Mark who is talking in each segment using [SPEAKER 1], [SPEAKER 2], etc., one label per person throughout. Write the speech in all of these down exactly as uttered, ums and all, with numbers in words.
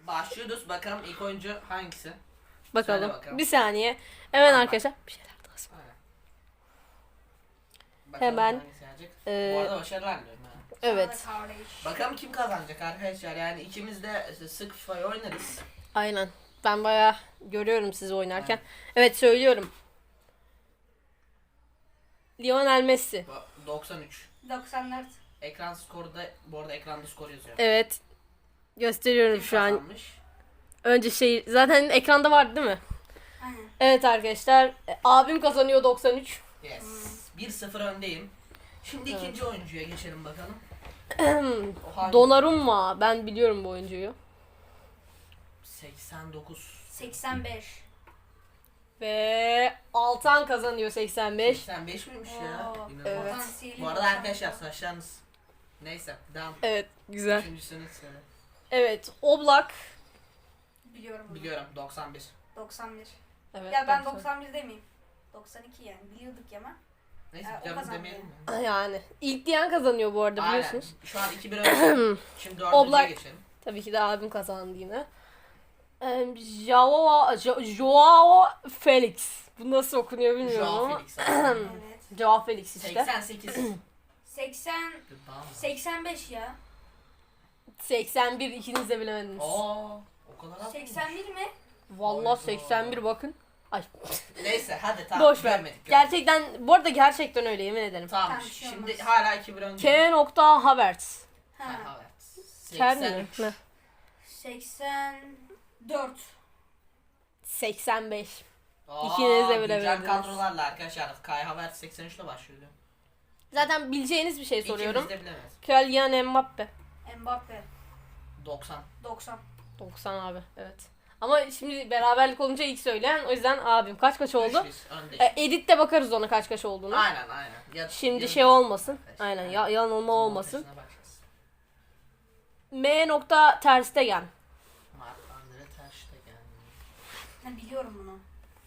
[SPEAKER 1] Başlıyoruz. Bakalım ilk oyuncu hangisi?
[SPEAKER 2] Bakalım.
[SPEAKER 1] bakalım.
[SPEAKER 2] Bir saniye. Evet
[SPEAKER 1] Tamam.
[SPEAKER 2] arkadaşlar. Bir şeyler daha söyle.
[SPEAKER 1] Aynen. Bakalım
[SPEAKER 2] Hemen,
[SPEAKER 1] hangisi gelecek.
[SPEAKER 2] e,
[SPEAKER 1] Bu arada başarılar diliyorum ha.
[SPEAKER 2] Evet.
[SPEAKER 3] Sana da kardeş.
[SPEAKER 1] Bakalım kim kazanacak arkadaşlar. Yani ikimiz de sık FIFA'yı oynarız.
[SPEAKER 2] Aynen. Ben bayağı görüyorum sizi oynarken.
[SPEAKER 1] Aynen.
[SPEAKER 2] Evet söylüyorum. Lionel Messi.
[SPEAKER 1] Bu- doksan üç.
[SPEAKER 3] doksan dört.
[SPEAKER 1] Ekran skoru da bu arada ekranda skor yazıyor.
[SPEAKER 2] Evet. Gösteriyorum
[SPEAKER 1] Kim
[SPEAKER 2] şu an.
[SPEAKER 1] kazanmış?
[SPEAKER 2] Önce şey zaten ekranda vardı değil mi?
[SPEAKER 3] Aynen.
[SPEAKER 2] Evet arkadaşlar. e, Abim kazanıyor doksan üç.
[SPEAKER 1] Yes. bir sıfır öndeyim. Şimdi
[SPEAKER 2] Evet.
[SPEAKER 1] ikinci oyuncuya geçelim bakalım. O hangi?
[SPEAKER 2] Donnarumma. Ben biliyorum bu oyuncuyu.
[SPEAKER 1] seksen dokuz.
[SPEAKER 3] seksen beş.
[SPEAKER 2] Ve Altan kazanıyor seksen beş.
[SPEAKER 1] seksen beş miymiş ya?
[SPEAKER 3] Oo.
[SPEAKER 1] İnanılmaz.
[SPEAKER 2] Evet.
[SPEAKER 3] Potansiyeli
[SPEAKER 1] Bu arada
[SPEAKER 3] doksan
[SPEAKER 1] arkadaşlar
[SPEAKER 3] dokuz.
[SPEAKER 1] saçlarınız. Neyse devam.
[SPEAKER 2] Evet güzel.
[SPEAKER 1] Üçüncüsünü söyle.
[SPEAKER 2] Evet Oblak.
[SPEAKER 3] Biliyorum bunu.
[SPEAKER 1] Biliyorum doksan bir.
[SPEAKER 3] doksan bir.
[SPEAKER 2] Evet,
[SPEAKER 3] Ya ben
[SPEAKER 2] doksan.
[SPEAKER 3] doksan bir demeyeyim. doksan iki yani biliyorduk ya ama.
[SPEAKER 1] Neyse
[SPEAKER 3] Ee, o
[SPEAKER 1] canım
[SPEAKER 3] kazandı.
[SPEAKER 1] demeyelim mi?
[SPEAKER 2] Yani ilk diyen kazanıyor bu arada
[SPEAKER 1] Aynen.
[SPEAKER 2] biliyorsunuz.
[SPEAKER 1] Şu an iki bir önde. Şimdi dördüncüye
[SPEAKER 2] Oblak.
[SPEAKER 1] geçelim.
[SPEAKER 2] Tabii ki de abim kazandı yine. Ee, Joao, Jo- Joao Felix. Bu nasıl okunuyor bilmiyorum
[SPEAKER 1] Joao
[SPEAKER 2] ama.
[SPEAKER 1] Felix.
[SPEAKER 3] Evet.
[SPEAKER 2] Joao Felix işte.
[SPEAKER 1] seksen sekiz.
[SPEAKER 3] seksen
[SPEAKER 1] Tamam.
[SPEAKER 3] seksen beş ya.
[SPEAKER 2] seksen bir ikiniz de bilemediniz.
[SPEAKER 1] Oo, o kadar az
[SPEAKER 3] seksen bir mi?
[SPEAKER 2] Vallahi
[SPEAKER 1] Hayda.
[SPEAKER 2] seksen bir bakın. Ay.
[SPEAKER 1] Neyse hadi tamam.
[SPEAKER 2] Boş ver.
[SPEAKER 1] görmedik, görmedik.
[SPEAKER 2] Gerçekten bu arada gerçekten öyle yemin ederim.
[SPEAKER 1] Tamam
[SPEAKER 3] Tamam, bir şey
[SPEAKER 1] şimdi
[SPEAKER 3] olmaz.
[SPEAKER 1] hala iki bir önde.
[SPEAKER 2] K. nokta Havertz.
[SPEAKER 3] Ha.
[SPEAKER 1] Ha, evet.
[SPEAKER 2] Ker
[SPEAKER 1] seksen
[SPEAKER 2] mi?
[SPEAKER 1] üç.
[SPEAKER 2] Ne?
[SPEAKER 3] seksen dört.
[SPEAKER 2] seksen beş.
[SPEAKER 1] Aa,
[SPEAKER 2] İkiniz de
[SPEAKER 1] güncel
[SPEAKER 2] bilemediniz.
[SPEAKER 1] kadrolarla arkadaşlar. Kai Havertz seksen üçle başlıyordu.
[SPEAKER 2] Zaten bileceğiniz bir şey soruyorum.
[SPEAKER 1] İkimiz de bilemez.
[SPEAKER 2] Kylian Mbappe.
[SPEAKER 3] Mbappe.
[SPEAKER 1] doksan.
[SPEAKER 3] doksan.
[SPEAKER 2] doksan abi evet. Ama şimdi beraberlik olunca ilk söyleyen o yüzden abim. Kaç kaç oldu?
[SPEAKER 1] üç bir öndeyiz.
[SPEAKER 2] E, editte bakarız ona kaç kaç olduğunu.
[SPEAKER 1] Aynen aynen. Ya,
[SPEAKER 2] Şimdi
[SPEAKER 1] ya-
[SPEAKER 2] şey olmasın.
[SPEAKER 1] Arkadaşlar,
[SPEAKER 2] Aynen
[SPEAKER 1] yani.
[SPEAKER 2] ya, yanılma olmasın.
[SPEAKER 1] Montajına bakacağız.
[SPEAKER 2] M. nokta Ter Stegen.
[SPEAKER 1] Mark Andre Ter Stegen.
[SPEAKER 3] Ha, biliyorum bunu.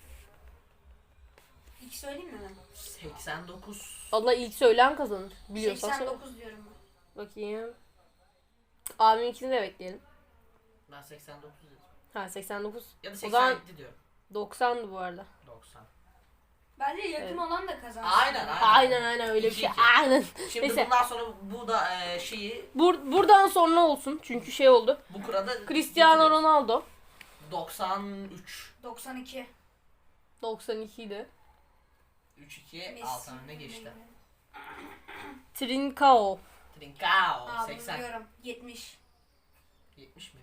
[SPEAKER 3] İlk söyleyeyim mi ben?
[SPEAKER 1] seksen dokuz.
[SPEAKER 2] Allah ilk söyleyen kazanır. Biliyorsan
[SPEAKER 3] seksen
[SPEAKER 2] söyle.
[SPEAKER 3] dokuz diyorum ben.
[SPEAKER 2] Bakayım. Abiminkini de bekleyelim.
[SPEAKER 1] Ben seksen dokuz dedim.
[SPEAKER 2] Ha seksen dokuz.
[SPEAKER 1] Ya da
[SPEAKER 2] O zaman
[SPEAKER 1] seksen yedi diyorum.
[SPEAKER 2] doksandı bu arada.
[SPEAKER 1] doksan.
[SPEAKER 3] Bence yakın
[SPEAKER 2] Evet.
[SPEAKER 3] olan da kazansın.
[SPEAKER 1] Aynen aynen.
[SPEAKER 2] Aynen aynen öyle bir
[SPEAKER 1] İki
[SPEAKER 2] şey.
[SPEAKER 1] iki.
[SPEAKER 2] Aynen.
[SPEAKER 1] Şimdi
[SPEAKER 2] Neyse.
[SPEAKER 1] bundan sonra bu da e, şeyi
[SPEAKER 2] Bur buradan sonra olsun. Çünkü şey oldu.
[SPEAKER 1] bu kurada
[SPEAKER 2] Cristiano
[SPEAKER 1] bitiririz.
[SPEAKER 2] Ronaldo.
[SPEAKER 1] doksan üç.
[SPEAKER 3] doksan iki.
[SPEAKER 2] doksan iki idi.
[SPEAKER 1] üç iki altı önüne geçti.
[SPEAKER 2] Trincao.
[SPEAKER 1] Trincao
[SPEAKER 3] Aa, bunu
[SPEAKER 1] seksen.
[SPEAKER 3] biliyorum. yetmiş.
[SPEAKER 1] yetmiş mi?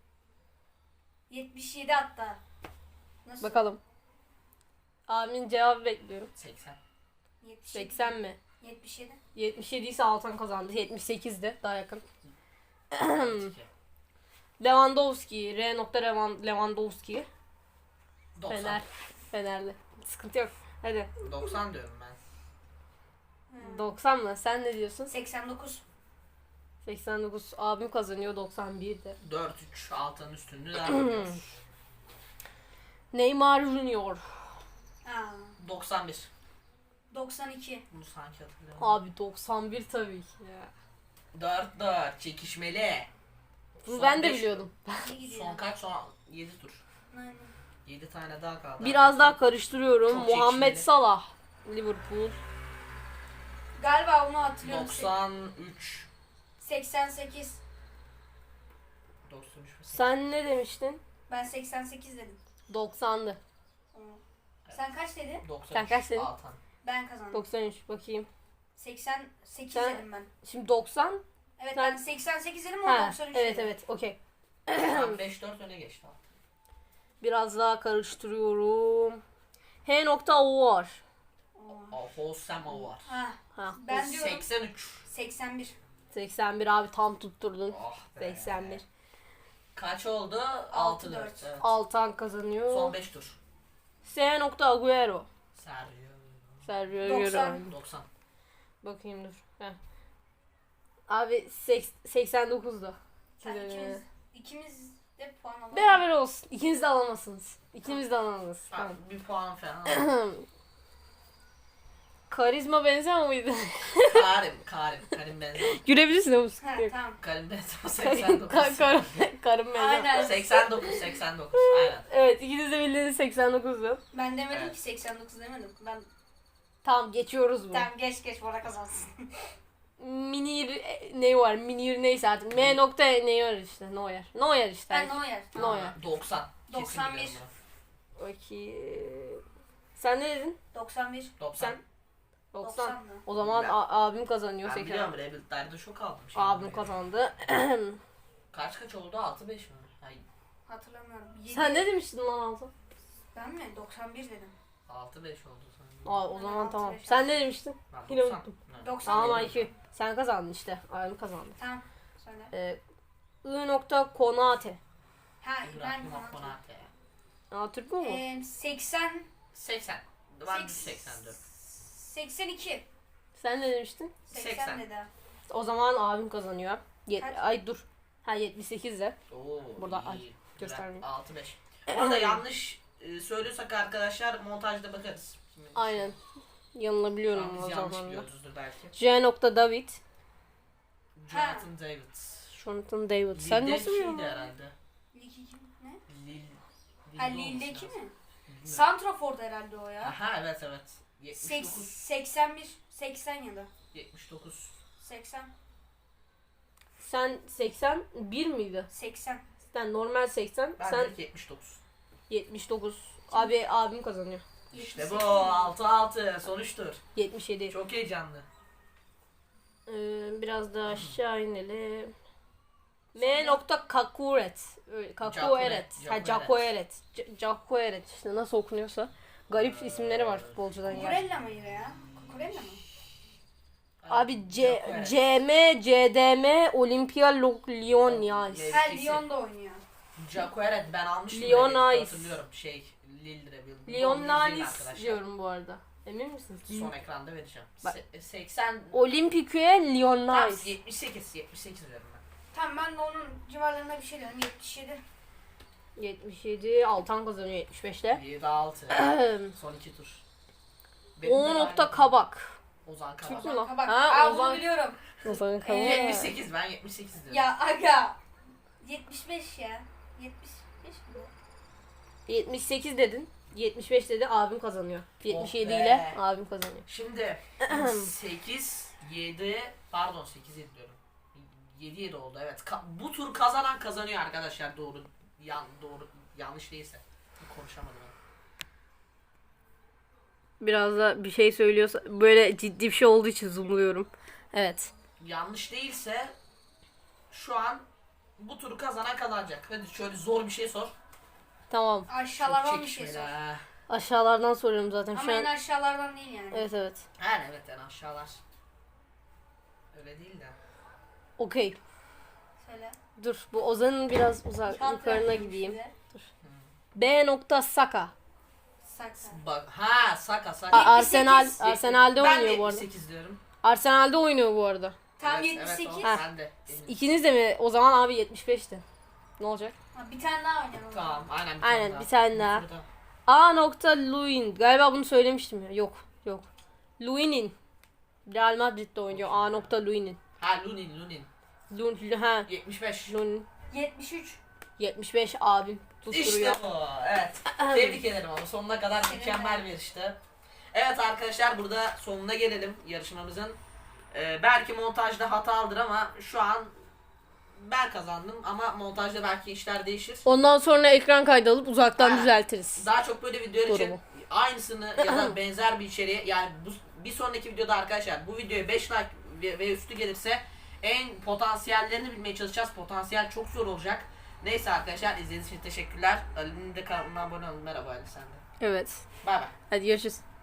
[SPEAKER 3] yetmiş yedi hatta. Nasıl?
[SPEAKER 2] Bakalım. Abimin cevabı bekliyorum.
[SPEAKER 1] seksen.
[SPEAKER 3] yetmiş yedi.
[SPEAKER 2] seksen mi?
[SPEAKER 3] yetmiş yedi.
[SPEAKER 2] yetmiş yedi ise Altan kazandı. yetmiş sekizdi. Daha yakın.
[SPEAKER 1] iki.
[SPEAKER 2] Lewandowski. R. nokta Levan- Lewandowski.
[SPEAKER 1] doksan.
[SPEAKER 2] Fener. Fenerli. Sıkıntı yok. Hadi.
[SPEAKER 1] doksan diyorum ben.
[SPEAKER 2] doksan mı? Sen ne diyorsun?
[SPEAKER 3] seksen dokuz.
[SPEAKER 2] seksen dokuz. Abim kazanıyor. doksan birdi.
[SPEAKER 1] dört üç altının üstünlüğü devam ediyoruz.
[SPEAKER 2] Neymar Junior.
[SPEAKER 3] Aa,
[SPEAKER 1] doksan bir.
[SPEAKER 3] doksan iki.
[SPEAKER 1] Bunu sanki hatırlıyorum.
[SPEAKER 2] Abi doksan bir tabii ki ya.
[SPEAKER 1] dört dört çekişmeli.
[SPEAKER 2] Bunu
[SPEAKER 1] Son
[SPEAKER 2] ben de
[SPEAKER 1] beş-
[SPEAKER 2] biliyordum.
[SPEAKER 3] İyi gidiyor.
[SPEAKER 1] Son kaç? Son yedi tur.
[SPEAKER 3] Aynen.
[SPEAKER 1] yedi tane daha kaldı.
[SPEAKER 2] Biraz daha karıştırıyorum.
[SPEAKER 1] Çok
[SPEAKER 2] Muhammed
[SPEAKER 1] çekişmeli.
[SPEAKER 2] Salah. Liverpool.
[SPEAKER 3] Galiba onu hatırlıyorum.
[SPEAKER 1] doksan üç.
[SPEAKER 3] seksen sekiz.
[SPEAKER 1] doksan üç.
[SPEAKER 2] Sen ne demiştin?
[SPEAKER 3] Ben seksen sekiz dedim.
[SPEAKER 2] doksandı.
[SPEAKER 3] Tamam. Sen kaç dedin?
[SPEAKER 1] doksan üç.
[SPEAKER 2] Sen kaç dedin?
[SPEAKER 1] Altan.
[SPEAKER 3] Ben kazandım.
[SPEAKER 2] doksan üç bakayım.
[SPEAKER 3] seksen sekiz
[SPEAKER 2] Sen-
[SPEAKER 3] dedim ben.
[SPEAKER 2] Şimdi doksan.
[SPEAKER 3] Evet
[SPEAKER 2] sen-
[SPEAKER 3] ben seksen sekiz dedim o
[SPEAKER 2] Ha,
[SPEAKER 3] doksan üç
[SPEAKER 2] evet
[SPEAKER 3] dedim.
[SPEAKER 2] evet okey.
[SPEAKER 1] Sen beş dört öne geçti. Altan.
[SPEAKER 2] Biraz daha karıştırıyorum. H. nokta O var.
[SPEAKER 3] Oo.
[SPEAKER 1] O Hosema var.
[SPEAKER 3] Ha,
[SPEAKER 2] Ha,
[SPEAKER 3] ben diyorum
[SPEAKER 1] seksen üç.
[SPEAKER 3] seksen bir.
[SPEAKER 2] seksen bir abi tam tutturdun.
[SPEAKER 1] Oh be.
[SPEAKER 2] seksen bir.
[SPEAKER 1] Kaç oldu?
[SPEAKER 3] Altı
[SPEAKER 1] altı
[SPEAKER 3] dört.
[SPEAKER 1] dört. Evet.
[SPEAKER 2] Altan kazanıyor.
[SPEAKER 1] Son beş tur.
[SPEAKER 2] S. nokta Agüero.
[SPEAKER 1] Sergio.
[SPEAKER 2] Sergio
[SPEAKER 3] doksan.
[SPEAKER 2] Agüero.
[SPEAKER 1] doksan.
[SPEAKER 2] Bakayım dur. Heh. Abi seks- seksen dokuzda.
[SPEAKER 3] Sen ikimiz, ikimiz de puan alalım.
[SPEAKER 2] Beraber olsun. İkiniz de alamazsınız. İkiniz de alamazsınız.
[SPEAKER 1] Ha,
[SPEAKER 2] Tamam.
[SPEAKER 1] bir puan falan.
[SPEAKER 2] Karizma benzer miydi?
[SPEAKER 1] Karim, Karim, Karim benzer.
[SPEAKER 2] Gülebilirsin ama
[SPEAKER 3] Ha
[SPEAKER 2] sıkıntı yok.
[SPEAKER 3] tamam.
[SPEAKER 1] Karim benzer. seksen dokuz.
[SPEAKER 2] Ka- Karım, karım benzer.
[SPEAKER 3] Aynen.
[SPEAKER 1] seksen dokuz, seksen dokuz. Aynen.
[SPEAKER 2] Evet, ikiniz de bildiğiniz seksen dokuzdu.
[SPEAKER 3] Ben demedim
[SPEAKER 1] Evet.
[SPEAKER 3] ki seksen dokuz demedim. Ben
[SPEAKER 2] Tamam, geçiyoruz bunu.
[SPEAKER 3] tamam geç geç Bora kazansın.
[SPEAKER 2] Minir e, ne var? Minir neyse artık. M nokta ne var işte. Neuer. Neuer işte.
[SPEAKER 3] Ben Neuer.
[SPEAKER 2] Neuer.
[SPEAKER 1] doksan. Kesin
[SPEAKER 3] doksan bir.
[SPEAKER 1] biliyorum bunu.
[SPEAKER 2] Okey. Sen ne dedin?
[SPEAKER 3] doksan bir.
[SPEAKER 1] doksan.
[SPEAKER 2] Sen? doksan.
[SPEAKER 3] doksan mı?
[SPEAKER 2] O zaman
[SPEAKER 1] Ben-
[SPEAKER 2] a- abim kazanıyor.
[SPEAKER 1] Ben
[SPEAKER 2] seksen.
[SPEAKER 1] biliyorum Rebel'lerde şok aldım. Şimdi
[SPEAKER 2] Abim
[SPEAKER 1] buraya.
[SPEAKER 2] kazandı.
[SPEAKER 1] Kaç kaç oldu? altı beş mi? Hayır.
[SPEAKER 3] Hatırlamıyorum. Yedi.
[SPEAKER 2] Sen ne demiştin lan Altın?
[SPEAKER 3] Ben mi? doksan bir dedim.
[SPEAKER 1] altı beş oldu sanırım.
[SPEAKER 2] Aa, o
[SPEAKER 3] Ben
[SPEAKER 2] zaman
[SPEAKER 3] altı
[SPEAKER 2] tamam.
[SPEAKER 3] beş
[SPEAKER 2] Sen ne demiştin?
[SPEAKER 1] Ben
[SPEAKER 2] Yine
[SPEAKER 1] doksan.
[SPEAKER 2] unuttum.
[SPEAKER 1] Evet.
[SPEAKER 3] doksan
[SPEAKER 2] Tamam
[SPEAKER 3] bir.
[SPEAKER 2] I Q. Sen kazandın işte. Abim kazandı.
[SPEAKER 3] Tamam. Söyle.
[SPEAKER 2] Ee, I nokta Konate.
[SPEAKER 3] Ha ben
[SPEAKER 1] İbrahim
[SPEAKER 3] Konate.
[SPEAKER 1] Konate.
[SPEAKER 2] Aa, Türk mü bu?
[SPEAKER 3] Ee, seksen.
[SPEAKER 1] seksen. Ben
[SPEAKER 3] Seks-
[SPEAKER 1] seksen dört.
[SPEAKER 3] seksen iki.
[SPEAKER 2] Sen ne demiştin?
[SPEAKER 3] seksen
[SPEAKER 1] seksen.
[SPEAKER 3] dedi.
[SPEAKER 2] O zaman abim kazanıyor. Yet-
[SPEAKER 3] Kaç?
[SPEAKER 2] Ay dur. Ha yetmiş sekiz de.
[SPEAKER 1] Oo,
[SPEAKER 2] Burada
[SPEAKER 1] iyi.
[SPEAKER 2] ay,
[SPEAKER 1] Güzel.
[SPEAKER 2] göstermeyeyim.
[SPEAKER 1] altı beş. Orada yanlış e, söylüyorsak arkadaşlar montajda bakarız. Şimdi-
[SPEAKER 2] Aynen.
[SPEAKER 1] Şu
[SPEAKER 2] Yanılabiliyorum
[SPEAKER 1] an
[SPEAKER 2] o
[SPEAKER 1] biz yanlış
[SPEAKER 2] zaman da.
[SPEAKER 1] biliyoruzdur belki.
[SPEAKER 2] J nokta David.
[SPEAKER 1] Jonathan David.
[SPEAKER 2] Jonathan David. Sen
[SPEAKER 1] Lille
[SPEAKER 2] nasıl
[SPEAKER 1] şeydi
[SPEAKER 2] biliyorsun?
[SPEAKER 1] herhalde.
[SPEAKER 3] Lig iki ne?
[SPEAKER 1] Lille.
[SPEAKER 3] Ha
[SPEAKER 1] Lille olması
[SPEAKER 3] Lille'deki
[SPEAKER 1] lazım.
[SPEAKER 3] mi?
[SPEAKER 1] Bilmiyorum.
[SPEAKER 3] Santrafor'da herhalde o ya.
[SPEAKER 1] Aha evet evet.
[SPEAKER 3] Seks-
[SPEAKER 1] yetmiş dokuz.
[SPEAKER 3] seksen bir. seksen ya da.
[SPEAKER 1] yetmiş dokuz.
[SPEAKER 3] seksen.
[SPEAKER 2] Sen seksen bir miydi?
[SPEAKER 3] seksen.
[SPEAKER 2] Sen normal seksen.
[SPEAKER 1] Ben
[SPEAKER 2] sen
[SPEAKER 1] de yetmiş dokuz.
[SPEAKER 2] yetmiş dokuz. Abi abim kazanıyor.
[SPEAKER 1] İşte
[SPEAKER 3] yetmiş
[SPEAKER 1] bu
[SPEAKER 3] sekiz.
[SPEAKER 1] altı altı sonuçtur.
[SPEAKER 2] yetmiş yedi.
[SPEAKER 1] Çok heyecanlı.
[SPEAKER 2] Ee, biraz daha aşağı inelim. M nokta Kakuret. Öyle, Kakueret. Ha
[SPEAKER 1] Jacoeret.
[SPEAKER 2] Jacoeret. J- Jacoeret. İşte nasıl okunuyorsa. Garip isimleri var futbolcudan ya.
[SPEAKER 3] Kukurella mıydı ya? Kukurella mı?
[SPEAKER 2] Abi C
[SPEAKER 1] Jacoeret.
[SPEAKER 2] C M C D M Olympia Lo- Lyon ya.
[SPEAKER 1] Evet.
[SPEAKER 3] Ha
[SPEAKER 1] Eskisi.
[SPEAKER 3] Lyon'da oynuyor.
[SPEAKER 1] Jacoeret ben almıştım.
[SPEAKER 2] Lyon
[SPEAKER 1] Rebel'de,
[SPEAKER 2] Nice.
[SPEAKER 1] Hatırlıyorum şey. Lille Rebel.
[SPEAKER 2] Lyon
[SPEAKER 1] Onu izleyin
[SPEAKER 2] Nice
[SPEAKER 1] arkadaşlar.
[SPEAKER 2] diyorum bu arada. Emin misiniz?
[SPEAKER 1] Son ekranda vereceğim.
[SPEAKER 2] Bak.
[SPEAKER 1] Se- seksen.
[SPEAKER 2] Olympique Lyon
[SPEAKER 1] Tam
[SPEAKER 2] Nice.
[SPEAKER 1] yetmiş sekiz. yetmiş sekiz diyorum ben.
[SPEAKER 3] Tamam ben de onun civarlarında bir şey dedim. yetmiş yedi.
[SPEAKER 2] yetmiş yedi. Altan kazanıyor yetmiş beşte.
[SPEAKER 1] yedi altı. Son iki tur.
[SPEAKER 2] O
[SPEAKER 1] de
[SPEAKER 2] nokta
[SPEAKER 1] aynı.
[SPEAKER 2] Kabak.
[SPEAKER 1] Ozan
[SPEAKER 2] Türk
[SPEAKER 1] Kabak.
[SPEAKER 2] mü lan?
[SPEAKER 3] Kabak.
[SPEAKER 2] Ha,
[SPEAKER 3] Aa,
[SPEAKER 2] Ozan-
[SPEAKER 3] bunu biliyorum.
[SPEAKER 2] Ozan Kabak.
[SPEAKER 1] yetmiş sekiz ben yetmiş sekiz diyorum.
[SPEAKER 3] Ya aga. yetmiş beş ya. yetmiş beş mi?
[SPEAKER 2] yetmiş sekiz dedin. yetmiş beş dedi abim kazanıyor. yetmiş yedi
[SPEAKER 1] be.
[SPEAKER 2] ile abim kazanıyor.
[SPEAKER 1] Şimdi sekiz yedi pardon sekiz yedi diyorum. yedi yedi oldu evet. Ka- bu tur kazanan kazanıyor arkadaşlar doğru. Yan doğru yanlış değilse. Konuşamadım. ben.
[SPEAKER 2] Biraz da bir şey söylüyorsa böyle ciddi bir şey olduğu için zoomluyorum. Evet.
[SPEAKER 1] Yanlış değilse şu an bu turu kazanan kazanacak. Hadi şöyle zor bir şey sor.
[SPEAKER 2] Tamam.
[SPEAKER 3] Aşağılardan bir şey
[SPEAKER 1] çekişmeli
[SPEAKER 3] sor.
[SPEAKER 1] ha.
[SPEAKER 2] Aşağılardan soruyorum zaten
[SPEAKER 3] Ama
[SPEAKER 2] şu
[SPEAKER 3] en
[SPEAKER 2] an.
[SPEAKER 3] aşağılardan değil yani.
[SPEAKER 2] Evet evet.
[SPEAKER 1] Yani evet yani aşağılar. Öyle değil de.
[SPEAKER 2] Okey.
[SPEAKER 3] Söyle.
[SPEAKER 2] Dur bu Ozan'ın biraz uzak
[SPEAKER 3] Kağıt
[SPEAKER 2] yukarına
[SPEAKER 3] verdim
[SPEAKER 2] gideyim.
[SPEAKER 3] size.
[SPEAKER 2] B nokta Saka.
[SPEAKER 3] Saksa.
[SPEAKER 1] Bak ha Saka Saka.
[SPEAKER 2] A- Arsenal
[SPEAKER 3] yetmiş sekiz.
[SPEAKER 2] Arsenal'de
[SPEAKER 1] Ben de
[SPEAKER 2] oynuyor bu arada.
[SPEAKER 1] yetmiş sekiz diyorum.
[SPEAKER 2] Arsenal'de oynuyor bu arada.
[SPEAKER 3] Tam
[SPEAKER 1] Evet,
[SPEAKER 3] yetmiş sekiz.
[SPEAKER 1] Evet,
[SPEAKER 2] Ha.
[SPEAKER 1] o, ben de. eminim.
[SPEAKER 2] İkiniz de mi? O zaman abi yetmiş beşti. Ne olacak?
[SPEAKER 3] Ha, bir tane daha oynayalım.
[SPEAKER 1] Tamam aynen bir
[SPEAKER 2] Aynen,
[SPEAKER 1] tane daha.
[SPEAKER 2] bir tane daha.
[SPEAKER 1] Burada.
[SPEAKER 2] A nokta Luin. Galiba bunu söylemiştim ya. Yok. Yok. Luin'in. Real Madrid'de oynuyor. A nokta Luin'in.
[SPEAKER 1] Ha Lunin Lunin.
[SPEAKER 2] Lun, ha.
[SPEAKER 1] yetmiş beş.
[SPEAKER 2] Lunin.
[SPEAKER 3] yetmiş üç.
[SPEAKER 2] yetmiş beş abim tutturuyor.
[SPEAKER 1] İşte bu. Evet. Tebrik ederim ama sonuna kadar
[SPEAKER 3] Senin
[SPEAKER 1] mükemmel
[SPEAKER 3] de.
[SPEAKER 1] bir yarıştı. Evet arkadaşlar burada sonuna gelelim yarışmamızın. Ee, belki montajda hatalıdır ama şu an ben kazandım ama montajda belki işler değişir.
[SPEAKER 2] Ondan sonra ekran kaydı alıp uzaktan
[SPEAKER 1] Ha.
[SPEAKER 2] düzeltiriz.
[SPEAKER 1] Daha çok böyle videolar için
[SPEAKER 2] Doğru.
[SPEAKER 1] aynısını ya da benzer bir içeriği yani bu, bir sonraki videoda arkadaşlar bu videoya beş like ve, ve üstü gelirse en potansiyellerini bilmeye çalışacağız. Potansiyel çok zor olacak. Neyse arkadaşlar izlediğiniz için teşekkürler. Ali'nin de kanalına abone olun. Merhaba Ali sen de.
[SPEAKER 2] Evet.
[SPEAKER 1] Bay bay.
[SPEAKER 2] Hadi görüşürüz.